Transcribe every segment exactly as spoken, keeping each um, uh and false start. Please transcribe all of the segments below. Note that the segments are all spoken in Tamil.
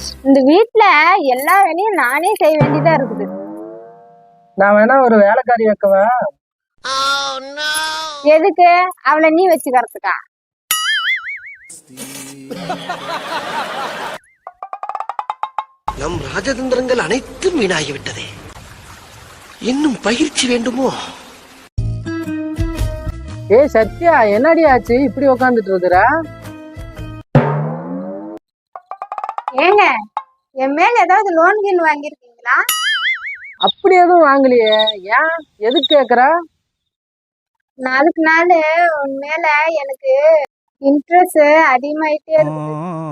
இந்த வீட்டுல எல்லா வேலையும் நானே செய்ய வேண்டியதா இருக்குது. நான் வேணா ஒரு வேலைக்காரி வைக்கவா? எதுக்கு? அவளை நீ வச்சுக்கிறதுக்கா? நம் ராஜதந்திரங்கள் அனைத்தும் வீணாகிவிட்டதே. இன்னும் பயிற்சி வேண்டுமோ? ஏ சத்யா, என்னடி ஆச்சு இப்படி உக்காந்துட்டு இருக்கிற? ஏங்க, என் மேல ஏதாவது லோன் கீன் வாங்கிருக்கீங்களா? அப்படி எதுவும் வாங்கலையே. ஏன், எதுக்கு கேக்குற? நாளுக்கு நாள் உன் மேல எனக்கு இன்ட்ரெஸ்ட் அதிகமாயிட்டே இருக்கு.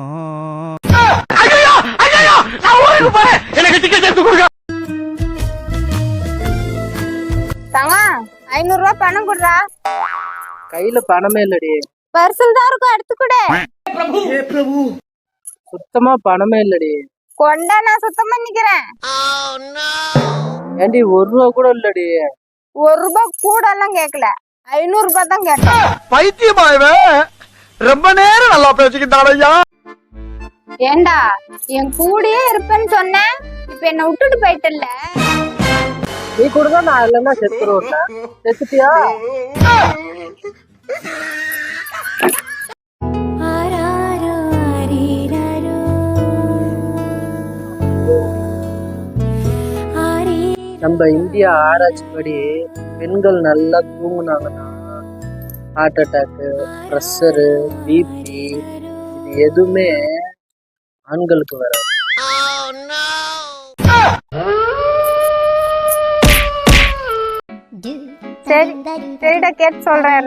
தவா, ஐநூறு ரூபாய் பணம் குடுறா. கையில பணமே இல்லடி. பர்சல் தான் இருக்கும், எடுத்து கொடு. சுத்தமா பணமே இல்லடி. கொண்டா, நான் சுத்தம் பண்ணிக்கிறேன். ஏண்டி, ஒரு ரூபா கூட இல்லடி. ஒரு ரூபாய் கூட எல்லாம் கேட்கல, ஐநூறு ரூபாய் தான் கேட்டேன். பைத்தியமாயவே, ரொம்ப நேரம் நல்லா பேசிக்கிட்டாரையா. ஏண்டா, என் கூடயே இருப்பேன்னு சொன்னேன், இப்ப என்ன விட்டுட்டு போயிட்டல்ல. நீ கூட தான் நான் இல்லைன்னா செத்துருவேன். செத்துட்டியா? நம்ம இந்தியா ஆராய்ச்சி படி பெண்கள் நல்லா தூங்குனாங்கன்னா ஹார்ட் அட்டாக்கு, ப்ரெஷரு, பிபி இது எதுவுமே ஆண்களுக்கு வராது. சரி சரிடா, கேட்டு சொல்றேன்.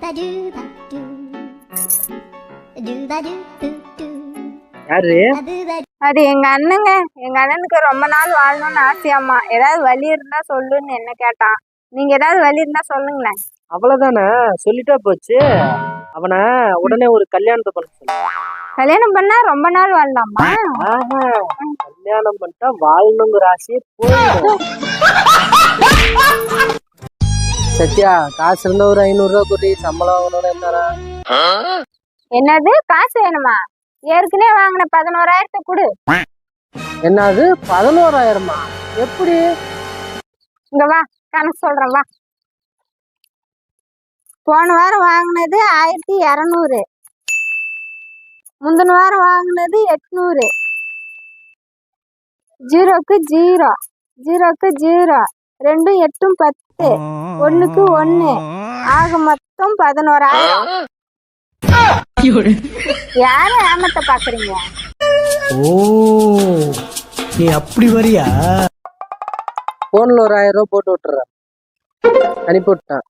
யாரு? அது எங்க அண்ணங்க. எங்க அண்ணனுக்கு ரொம்ப நாள் வாழணும்னு ஆசையாமா. ஏதாவது வழி இருந்தா சொல்லுன்னு என்ன கேட்டான். நீங்க ஏதாவது வழி இருந்தா சொல்லுங்களேன். அவ்வளவுதானே, சொல்லிட்டா போச்சு. அவனை உடனே ஒரு கல்யாணத்தை பண்ண சொல்லு. கல்யாணம் பண்ணா ரொம்ப நாள் வாழலாமா? ஆஹா, கல்யாணம் பண்ணிட்டா வாழணுங்கிற ஆசையே போயிடும். சத்யா, காசு இருந்தா ஒரு ஐநூறு ரூபா கூட்டி சம்பளம் வாங்கணும்னு இருந்தாரா? என்னது, காசு வேணுமா? ஏற்கனவே வாங்கின பதினோராயிரத்தை கொடு. என்னது, பதினோராயிரமா? எப்படி? இங்க வா, கணக்கு சொல்றேன் வா. போன வாரம் வாங்கினது ஆயிரத்தி இருநூறு, முந்தின வாரம் வாங்கினது எட்நூறு. ஜீரோக்கு ஜீரோ, ஜீரோக்கு ஜீரோ, ரெண்டும் எட்டும் பத்து, ஒண்ணுக்கு ஒண்ணு, ஆக மொத்தம் பதினோராயிரம். யாரு ஏமாத்த பாக்குறீங்க? ஓ, நீ அப்படி வரியா? போன்ல ஒரு ஆயிரம் ரூபாய் போட்டு விட்டுறேன், அனுப்பி விட்டான்.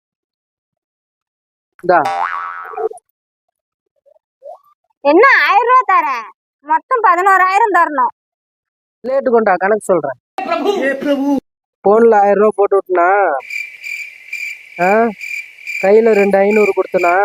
என்ன ஆயிரம் ரூபாய் தரேன், மொத்தம் பதினோராயிரம் தரணும். லேட்டு கொண்டா, கணக்கு சொல்றேன். போன்ல ஆயிரம் ரூபாய் போட்டு விட்டுனா, கையில ரெண்டு ஐநூறு கொடுத்தனா,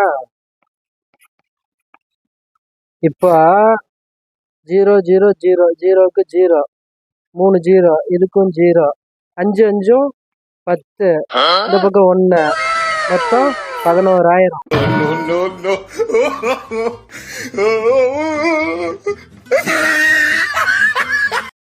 இப்போ ஜீரோ ஜீரோ ஜீரோ, ஜீரோக்கு ஜீரோ, மூணு ஜீரோ, இதுக்கும் ஜீரோ, அஞ்சு அஞ்சும் பத்து, இந்த பக்கம் ஒண்ணு, மொத்தம் பதினோராயிரம். No, no, no.